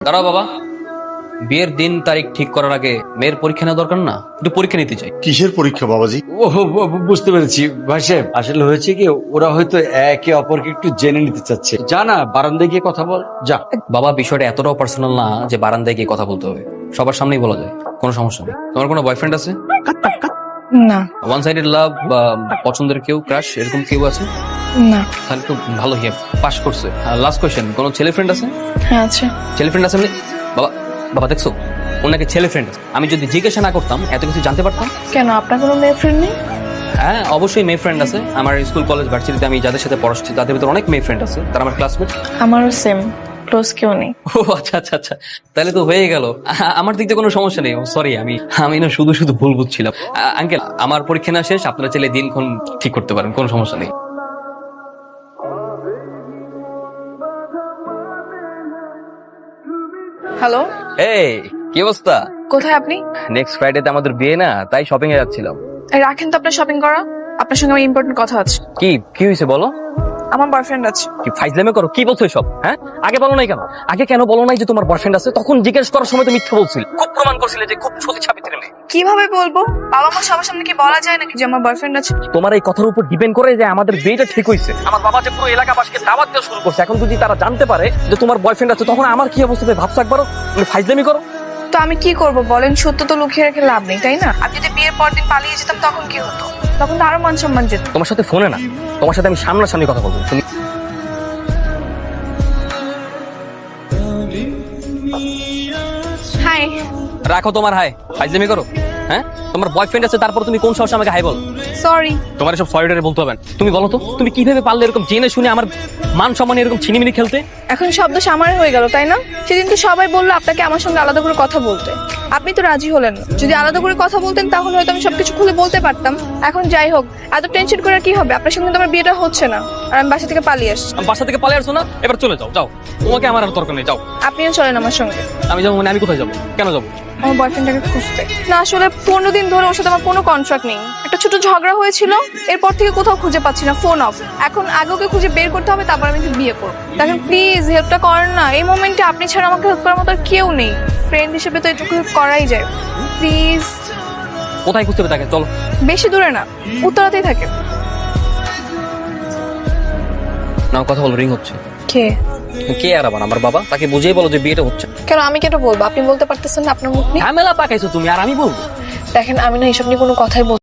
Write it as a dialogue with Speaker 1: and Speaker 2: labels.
Speaker 1: দাঁড়াও বাবা, বিয়ের দিন তারিখ ঠিক করার আগে মেয়ের পরীক্ষা নেওয়া দরকার না? একটু পরীক্ষা নিতে চাই।
Speaker 2: কিসের পরীক্ষা বাবাজি?
Speaker 3: ও বুঝতে পেরেছি ভাই সাহেব, আসলে হয়েছে কি ওরা হয়তো একে অপরকে একটু জেনে নিতে চাচ্ছে। যা না বারান্দায় গিয়ে কথা বল যা।
Speaker 1: বাবা, বিষয়টা এতটাও পার্সোনাল না যে বারান্দায় গিয়ে কথা বলতে হবে। সবার সামনেই বলা যায়, কোনো সমস্যা নেই। তোমার কোনো বয়ফ্রেন্ড আছে?
Speaker 4: না।
Speaker 1: ওয়ান সাইডেড লাভ বা পছন্দের কেউ, ক্রাশ এরকম কেউ আছে?
Speaker 4: না।
Speaker 1: তাহলে তো ভালো, হিয়া পাস করছে। লাস্ট কোয়েশ্চেন, কোনো ছেলে ফ্রেন্ড আছে?
Speaker 4: হ্যাঁ আছে।
Speaker 1: ছেলে ফ্রেন্ড আছে মানে? বাবা বাবা দেখছো, ওনাকে ছেলে ফ্রেন্ড আছে। আমি যদি জিজ্ঞাসা না করতাম এত কিছু জানতে পারতাম?
Speaker 4: কেন, আপনার কোনো মেয়ে ফ্রেন্ড নেই?
Speaker 1: হ্যাঁ অবশ্যই মেয়ে ফ্রেন্ড আছে। আমার স্কুল কলেজ ভার্সিটিতে আমি যাদের সাথে পড়াচ্ছি তাদের ভিতরে অনেক মেয়ে ফ্রেন্ড আছে, তারা আমার ক্লাসমেট।
Speaker 4: আমারও সেম, ক্লোজ কেউ নেই।
Speaker 1: ও আচ্ছা আচ্ছা আচ্ছা, তাহলে তো হয়ে গেল। আমার দিক থেকে কোনো সমস্যা নেই। সরি, আমি না শুধু শুধু ভুল বুঝছিলাম। আঙ্কেল, আমার পরীক্ষা না শেষ, আপনারা চাইলে দিনক্ষণ ঠিক করতে পারেন, কোনো সমস্যা নেই।
Speaker 4: হ্যালো,
Speaker 1: এই কি অবস্থা?
Speaker 4: কোথায় আপনি?
Speaker 1: নেক্সট ফ্রাইডেতে আমাদের বিয়ে না, তাই শপিং এ যাচ্ছিলাম।
Speaker 4: রাখেন তো আপনার শপিং করা, আপনার সঙ্গে আমার ইম্পর্টেন্ট কথা আছে।
Speaker 1: কি হয়েছে বলো?
Speaker 4: আমার বয়ফ্রেন্ড আছে।
Speaker 1: কি ফাইজলামি করো? কি বলছো এসব? হ্যাঁ, আগে বলো নাই কেন? আগে কেন বলো নাই যে তোমার বয়ফ্রেন্ড আছে? তখন জিজ্ঞেস করার সময় তো মিথ্যা বলছিল, খুব প্রমাণ করছিলে যে খুব সতী সাবিত্রী মেয়ে।
Speaker 4: কিভাবে বলবো? বাবা মা সবার সামনে কি বলা যায় নাকি যে আমার বয়ফ্রেন্ড আছে?
Speaker 1: তোমার এই কথার উপর ডিপেন্ড করে যে আমাদের বিয়েটা ঠিক হয়েছে। আমার বাবা যে পুরো এলাকাবাসীকে দাওয়াত দেওয়া শুরু করছে, এখন যদি তারা জানতে পারে যে তোমার বয়ফ্রেন্ড আছে, তখন আমার কি অবস্থা হবে ভাবছো একবারও? তুমি ফাইজলামি করো।
Speaker 4: তো আমি কি করব বলেন? সত্য তো লুকিয়ে রেখে লাভ নেই, তাই না? আমি যদি বিয়ের পর দিন পালিয়ে যেতাম তখন কি হতো? তখন তো আরো মান সম্মান যেত।
Speaker 1: তোমার সাথে ফোনে না, তোমার সাথে আমি সামনাসামনি কথা বলবো। তুমি
Speaker 4: হাই।
Speaker 1: রাখো তোমার হাই, ফাইজলামি করো। হ্যাঁ, তোমার বয়ফ্রেন্ড আছে, তারপর তুমি কোন সাহসে আমাকে হাই বলো?
Speaker 4: সরি।
Speaker 1: তোমার এসব সরিডারে বলতে হবে না। তুমি বলো তো, তুমি কিভাবে পারলে এরকম জেনে শুনে আমার মান সম্মানে এরকম ছিনিমিনি খেলতে?
Speaker 4: এখন শব্দ সামার হয়ে গেল, তাই না? সেদিন তো সবাই বললো আপনাকে আমার সঙ্গে আলাদা করে কথা বলতে, আপনি তো রাজি হলেন না। যদি আলাদা করে কথা বলতেন তাহলে হয়তো আমি সবকিছু খুলে বলতে পারতাম। এখন যাই হোক, এত টেনশন করে কি হবে? আপনার সঙ্গে তো আমার বিয়েটা হচ্ছে না, আর আমি বাসা থেকে পালিয়ে আসছি।
Speaker 1: আমি বাসা থেকে পালিয়ে আসছো না? এবার চলে যাও, যাও। তোমাকে আমার আর দরকার নেই, যাও।
Speaker 4: আপনিও চলেন আমার সঙ্গে।
Speaker 1: আমি যাবো মানে আমি কোথায় যাবো? কেন যাবো?
Speaker 4: আমার বয়ফ্রেন্ডটাকে খুঁজতে। না আসলে 15 দিন ধরে ওর সাথে আমার কোনো কন্ট্রাক্ট নেই। একটা ছোট ঝগড়া হয়েছিল, এরপর থেকে কোথাও খুঁজে পাচ্ছি না, ফোন অফ। এখন আগে ওকে খুঁজে বের করতে হবে, তারপর আমি ওকে বিয়ে করবো। দেখেন প্লিজ হেল্পটা করেন না। এই মোমেন্টে আপনি ছাড়া আমাকে হেল্প করার মতো আর কেউ নেই। ফ্রেন্ড হিসেবে তো এটুকু হেল্প করাই যায়, প্লিজ।
Speaker 1: কোথায় খুঁজতে হবে তাকে? চলো।
Speaker 4: বেশি দূরে না, উত্তরাতেই থাকে।
Speaker 1: নাও কথা বলো, রিং হচ্ছে।
Speaker 4: কে?
Speaker 1: কে আর আবার আমার বাবা? তাকে বুঝিয়ে বলো যে বিয়েটা হচ্ছে।
Speaker 4: কেন আমি কেন বলবো? আপনি বলতে পারতেছেন না? আপনার মুখ নিয়ে
Speaker 1: ঝামেলা পাকাইছো তুমি, আর আমি বলবো?
Speaker 4: দেখেন আমি না এইসব নিয়ে কোনো কথাই